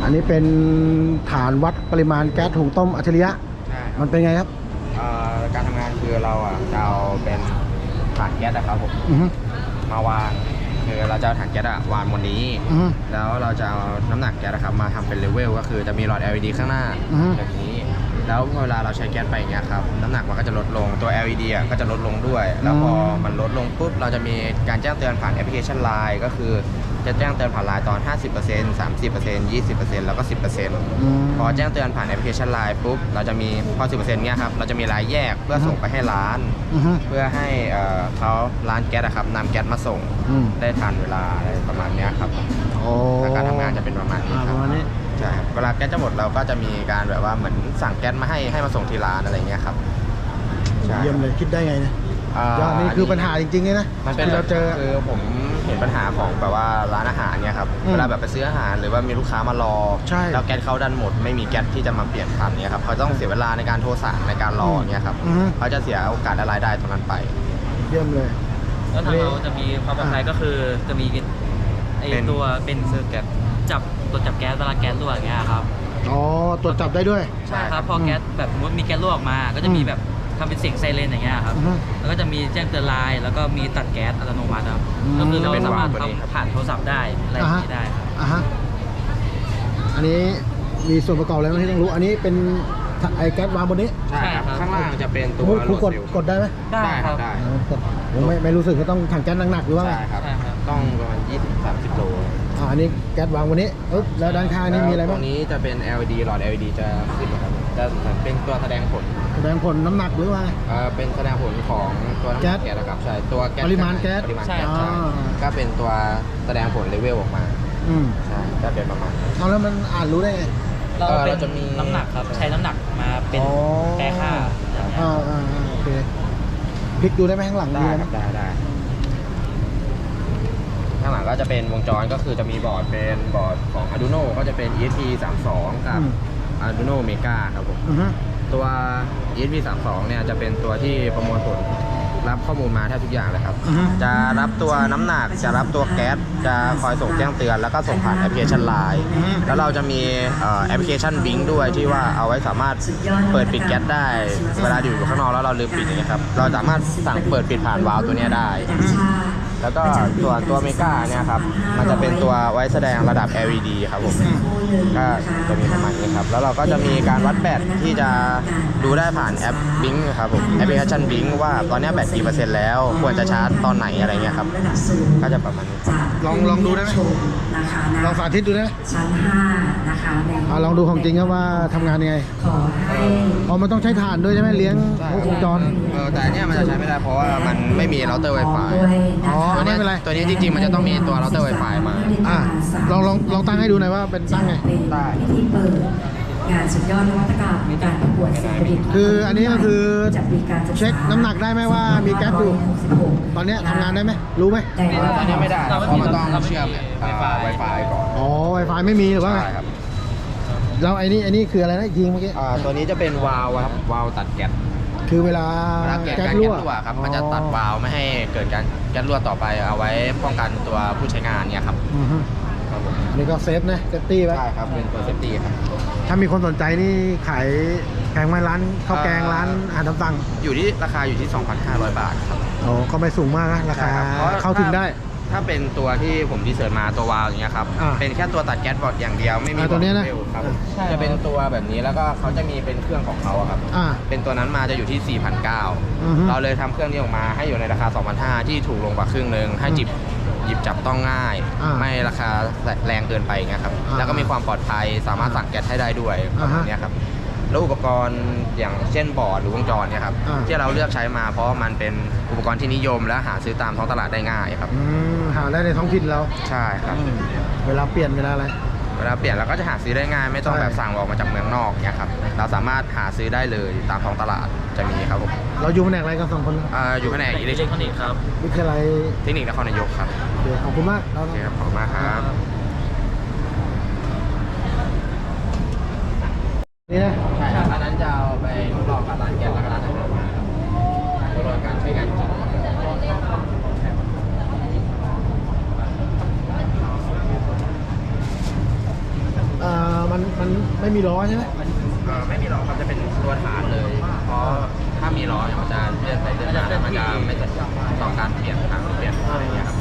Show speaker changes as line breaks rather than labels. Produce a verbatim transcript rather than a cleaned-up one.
นนี้เป็นฐานวัดปริมาณแก๊สหุงต้มอัจฉริยะ
ใช่
มันเป็นไงครับ
การทำงานคือเราอ่ะจะเอาเป็นถังแก๊สนะครับผมมาวางคือเราจะเอาถังแก๊สอะวางบนนี้แล้วเราจะเอาน้ำหนักแก๊สนะครับมาทำเป็นเลเวลก็คือจะมีหลอด แอล อี ดี ข้างหน้าแบบนี้แล้วเวลาเราใช้แก๊สไปอย่างเงี้ยครับน้ำหนักมันก็จะลดลงตัว แอล อี ดี อ่ะก็จะลดลงด้วยแล้วพอมันลดลงปุ๊บเราจะมีการแจ้งเตือนผ่านแอปพลิเคชัน ไลน์ ก็คือจะแจ้งเตือนผ่าน ไลน์ ตอน ห้าสิบเปอร์เซ็นต์ สามสิบเปอร์เซ็นต์ ยี่สิบเปอร์เซ็นต์ แล้วก็ สิบเปอร์เซ็นต์ พอแจ้งเตือนผ่านแอปพลิเคชัน ไลน์ ปุ๊บเราจะมีพอ สิบเปอร์เซ็นต์ เงี้ยครับเราจะมีรายแยกเพื่อส่งไปให้ร้านเพื่อให้เขาร้านแก๊สครับนำแก๊สมาส่งได้ทันเวลาอะไรประมาณนี้ครับการทำงานจะเป็นประมาณนี้ครับใช่เวลาแก๊สจะหมดเราก็จะมีการแบบว่าเหมือนสั่งแก๊สมาให้ให้มาส่งที่ร้านอะไรเงี้ยครับ
เยี่ยมเลยคิดได้ไงนะยอดนี่คือปัญหาจริงๆเลยนะ
มันเป็นเราเจอคือผมเห็นปัญหาของแบบว่าร้านอาหารเนี่ยครับเวลาแบบไปซื้ออาหารหรือว่ามีลูกค้ามารอแล้วแก๊สเขาดันหมดไม่มีแก๊สที่จะมาเปลี่ยนทันเนี่ยครับเขาต้องเสียเวลาในการโทรสั่งในการรอเนี่ยครับเขาจะเสียโอกาสและรายได้ตรงนั้นไป
เยี่ยมเลย
แล้วทางเราจะมีความปลอดภัยก็คือจะมีไอตัวเป็นเสื้อแก๊สจับตัวจับแก๊สเวลาแก๊สรั่วอย่างเงี้ยครับ
อ๋อตรวจจับได้ด้วย
ใช่ครับพอแก๊สแบบสมมติมีแก๊สรั่วออกมาก็จะมีแบบทำเป็นเสียงไซเรนอย่างเงี้ยครับแล้วก็จะมีแจ้งเตือนไลน์แล้วก็มีตัดแก๊สอัตโนมัติครับก็คือเราสามารถทำผ่านโทรศัพท์ได้อะไรอย่างนี้ได้ครับ
อ่าฮะอันนี้มีส่วนประกอบอะไรบ้างที่ต้องรู้อันนี้เป็นไอแก๊สวางบนนี้
ใช่ครับข้างล่างจะเป็นตัว
ครูกดกดได้ไหม
ได้ครับ
ได้
ผมไม่ไม่รู้สึกก็ต้องถังแก๊สหนักๆหรือว่า
ใช่ครับต้องประมาณยี่สิบ สามสิบโล
อ่าอันนี้แก๊สวางบนนี้ปึ๊บแล้วด้านข้างนี้มีอะไรบ้าง
ตรงนี้จะเป็น แอล อี ดี หลอด แอล อี ดี จะขึ้นนะครับจะเหมือนเป็นตัวแสดงผล
แสดงผลน้ำหนักหรือว่า
เออเป็นแสดงผลของตัวน้ำหนักแก๊สนะครับใช่ตัวแก๊ส
ปริมาณแก๊ส
ปริมาณแก๊สใช่ก็เป็นตัวแสดงผลเลเวลออกมา
อืม
ใช่ก็เป็นประมาณ
เอาแล้วมันอ่านรู้ได้ไง
เราจะมีน้ำหนักครับใช้น้ำหนักมาเป็นแปรค่า
อ่าอ่าโอเคพลิกดูได้ไหมข้างหลัง
ได้ครับได้ได้ข้างหลังก็จะเป็นวงจรก็คือจะมีบอร์ดเป็นบอร์ดของ Arduino ก็จะเป็น อี เอส พี สามสิบสอง กับ Arduino Mega ครับผมตัว อี เอส พี สามสิบสอง เนี่ยจะเป็นตัวที่ประมวลผลรับข้อมูลมาแทบทุกอย่างเลยครับจะรับตัวน้ำหนักจะรับตัวแก๊สจะคอยส่งแจ้งเตือนแล้วก็ส่งผ่านแอปพลิเคชัน ไลน์ แล้วเราจะมีแอปพลิเคชัน บิง ด้วยที่ว่าเอาไว้สามารถเปิดปิดแก๊สได้เวลาอยู่ข้างนอกแล้วเราลืมปิดอย่างเงี้ยครับเราสามารถสั่งเปิดปิดผ่านวาล์วตัวนี้ได้แล้วก็ส่วนตัวเมกาเนี่ยครับมันจะเป็นตัวไว้แสดงระดับ แอล อี ดี ครับผมก็จะมีประมาณนี้ครับแล้วเราก็จะมีการวัดแบตที่จะดูได้ผ่านแอป บิง ครับผมแอปพลิเคชัน บิง ว่าตอนนี้แบตกี่เปอร์เซ็นต์แล้วควรจะชาร์จตอนไหนอะไรเงี้ยครับก็จะประมาณนี้
ลองลองดูได้ไหมลองสาธิตดูได้ไหมชั้นห้านะคะลองดูของจริงครับว่าทำงานยังไงอ๋อมันต้องใช้ถ่านด้วยใช่ไหมเลี้ยงวงจร
เออแต่เนี่ยมันจะใช้ไม่ได้เพราะว่ามันไม่มีเราเตอร์ Wi-Fi
อ๋อไม่เป็นไร
ตัวนี้จริงๆมันจะต้องมีตัวเราเตอร์ Wi-Fi มา
อ่ะลองลองลองตั้งให้ดูหน่อยว่าเป็นตั้งไง
ได้
ที่เปิดงานสุดยอดนวัตกรรมในการประกวดสิ่งประดิษฐ์
คืออันนี้ก็คือเช็คน้ำหนักได้ไหมว่ามีแก๊สอยู่ตอนนี้ทำงานได้ไหมรู้ไหม
ตอนนี้ไม่ได้เพราะมันต้องเชื่อม Wi-Fi ก่อน
อ๋อ Wi-Fi ไม่มีหรือว่า
ใช่ครับ
แล้วไอ้นี่ไอ้นี่คืออะไรนะยิงเมื่อกี้
ตัวนี้จะเป็นวาล์วครับวาล์วตัดแก๊ส
คือเวลา
แก๊สรั่วครับมันจะตัดวาล์วไม่ให้เกิดการแก๊สรั่วต่อไปเอาไว้ป้องกันตัวผู้ใช้งานเนี่ยครับ
นี่ก็เซฟนะเซฟตี้ไว้
ใช่ครับเป็นตัวเซฟตี้ครับ
ถ้ามีคนสนใจนี่ขายแพงไหมร้านข้าวแกงร้านอาหารตามสั่ง
อยู่ที่ราคาอยู่ที่ สองพันห้าร้อย บาทครับ
โอ้ก็ไม่สูงมากนะราคาเข้าถึงได้
ถ้าเป็นตัวที่ผมดีเซิร์ชมาตัววาล์วอย่างเงี้ยครับเป็นแค่ตัวตัดแก๊สบอร์ดอย่างเดียวไม่มี
ตัวนี้นะ
จะเป็นตัวแบบนี้แล้วก็เขาจะมีเป็นเครื่องของเขาครับเป็นตัวนั้นมาจะอยู่ที่ สี่พันเก้าร้อย เราเลยทำเครื่องนี้ออกมาให้อยู่ในราคา สองพันห้าร้อย ที่ถูกลงกว่าครึ่งนึงให้จิบหยิบจับต้องง่ายไม่ราคาแรงเกินไปเงี้ยครับแล้วก็มีความปลอดภัยสามารถสั่งแก๊สให้ได้ด้วยแบบนี้ครับแล้วอุปกรณ์อย่างเช่นบอร์ดหรือวงจรเนี่ยครับที่เราเลือกใช้มาเพราะมันเป็นอุปกรณ์ที่นิยมและหาซื้อตามท้องตลาดได้ง่ายครับ
หาได้ในท้องถิ่นเรา
ใช่ครับ
เวลาเปลี่ยนเวลาอะไร
เวลาเปลี่ยนเราก็จะหาซื้อได้ง่ายไม่ต้องแบบสั่งออกมาจากเมืองนอกเนี่ยครับเราสามารถหาซื้อได้เลยตามท้องตลาดจะมีครับผม
เราอยู่แผนกอะไรกันสองคน
อ่าอยู่แผนกอิเล็กทรอนิกส์
ครับ
วิทยาลัย
เทคนิคนครนายกครับ
ขอบคุณมาก
โอเคครับขอบคุณมากครับ
นี่นะ
ใช่ครับอันนั้นจะเอาไปทดลองกับร้านแก๊สแล้วก็ร้านอาหารทดลองการใช้งานจริง
เอ่อมันมันไม่มีล้อใช่ไหม
เอ่อไม่มีล้อครับจะเป็นตัวฐานเลย เพราะถ้ามีล้อเนี่ยมันจะเลื่อนไปเลื่อนมาแล้วมันจะไม่สะดวกต่อการเปลี่ยนทางเปลี่ยนอะไรอย่างเงี้ยครับ